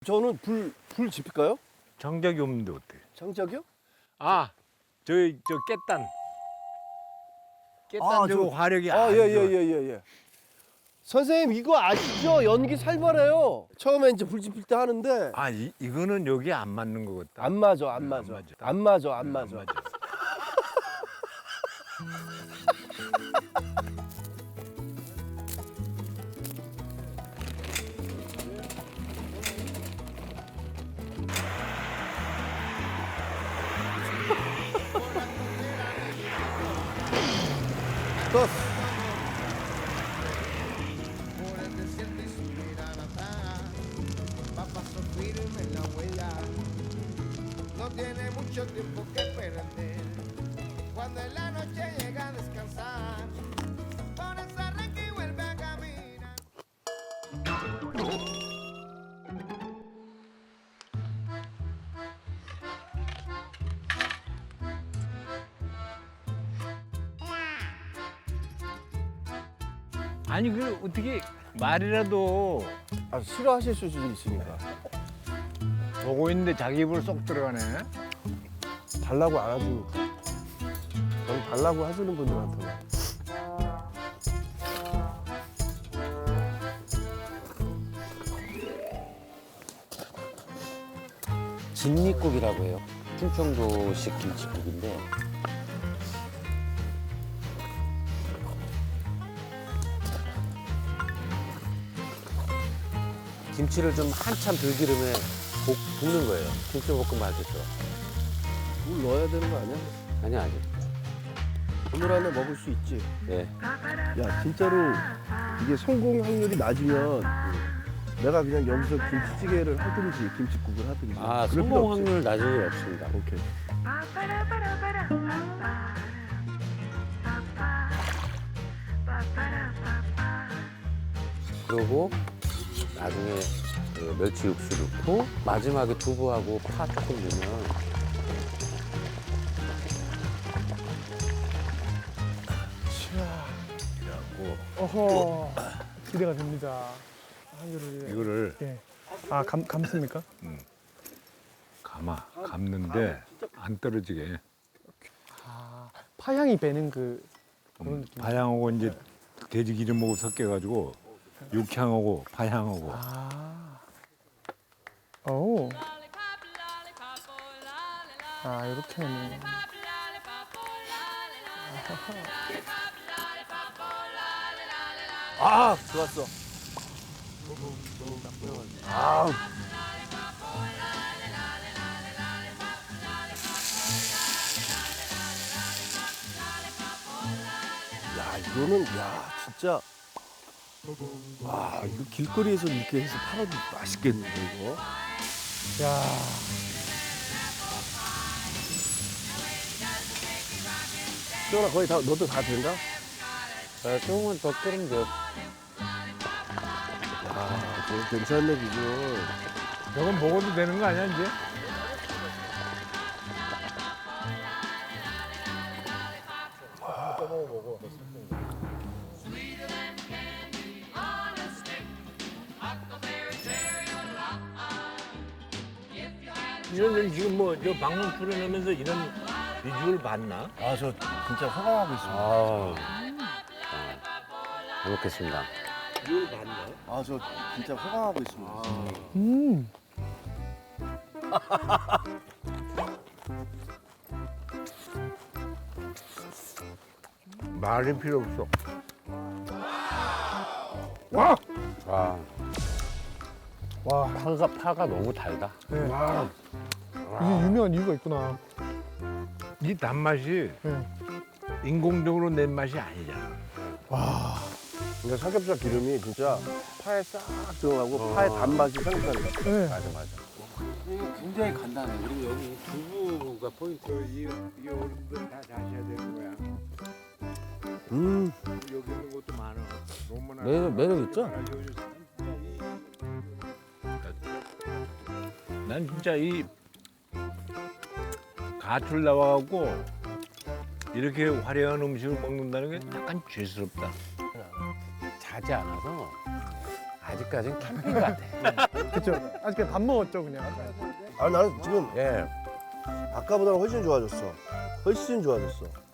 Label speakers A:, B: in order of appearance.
A: 저는 불 지필까요?
B: 장작이 없는데 어때?
A: 장작이요?
B: 아, 저 깻단. 깻단 저거 화력이 안 좋아.
A: 예예예예. 선생님 이거 아시죠? 연기 살벌해요. 처음에 이제 불 지필 때 하는데
B: 아, 이거는 여기 안 맞는 것 같다.
A: 안 맞아, 안 맞아, 안 맞아, 안 맞아. 떴어.
C: Por el desierto y su mirada va paso firme en la huella. No tiene mucho tiempo que perder. Cuando en la noche llega a descansar, por esa arranca y vuelve a caminar.
B: 아니 그 어떻게 말이라도
A: 아, 싫어하실 수도 있으니까.
B: 보고 있는데 자기 입으로 쏙 들어가네.
A: 달라고 안 하시니까. 저는 달라고 하시는 분들한테만.
D: 진미국이라고 해요. 충청도식 김치국인데 김치를 좀 한참 들기름에 볶는 거예요. 김치볶음밥 하겠죠.
A: 물 넣어야 되는 거 아니야?
D: 아니야, 아니.
A: 오늘 안에 먹을 수 있지.
D: 네.
A: 야, 진짜로 이게 성공 확률이 낮으면 내가 그냥 여기서 김치찌개를 하든지 김치국을 하든지.
D: 아,
A: 그럴 필요
D: 성공
A: 없지.
D: 확률 낮은 일 없습니다.
A: 오케이.
D: 그리고 나중에 그 멸치 육수 넣고 마지막에 두부하고 파 조금 넣으면
E: 어허, 기대가 됩니다. 한줄을
B: 이거를
E: 예. 아, 감습니까?
B: 감는데 안 떨어지게.
E: 아, 파향이 배는 그런 느낌.
B: 파향하고 이제 돼지 기름하고 섞여가지고 육향하고 파향하고.
E: 오. 아, 이렇게 하면.
A: 아, 좋았어. 아. 야, 이거는, 야, 진짜. 와, 이거 길거리에서 이렇게 해서 팔아도 맛있겠는데, 이거.
E: 야.
A: 수영아, 거의 다, 너도 다 된다?
D: 자, 조금만 더 끓이면 돼요.
A: 아, 저거 괜찮네, 비주얼.
B: 저건 먹어도 되는 거 아니야 이제? 이런 지금 뭐 저 방송 출연하면서 이런 비주얼 봤나?
A: 아, 저 진짜 호강하고 있습니다.
D: 잘 먹겠습니다.
B: 비주얼 봤나?
A: 아, 저 진짜 호강하고 있습니다.
B: 말이 필요 없어.
D: 와,
E: 와,
D: 파가 너무 달다.
E: 네. 이게 유명한 이유가 있구나.
B: 이 단맛이
E: 네.
B: 인공적으로 낸 맛이 아니잖아.
A: 근데 삼겹살 기름이 진짜 파에 싹 들어가고 파의 단맛이 삼겹살이다.
E: 네.
D: 이게 굉장히 간단해. 그리고 여기 두부가 포인트.
B: 이 어른들 다 자셔야 되는 거야.
A: 음.
B: 여기 있는 것도 많아. 너무나
D: 매력 있죠?
B: 난 진짜 이 가출 나와갖고 이렇게 화려한 음식을 먹는다는 게 약간 죄스럽다.
D: 자지 않아서 아직까지는 캠핑 같아.
E: 그쵸? 아직 그냥 밥 먹었죠 그냥.
A: 아 나는 지금
D: 예.
A: 아까보다는 훨씬 좋아졌어. 훨씬 좋아졌어.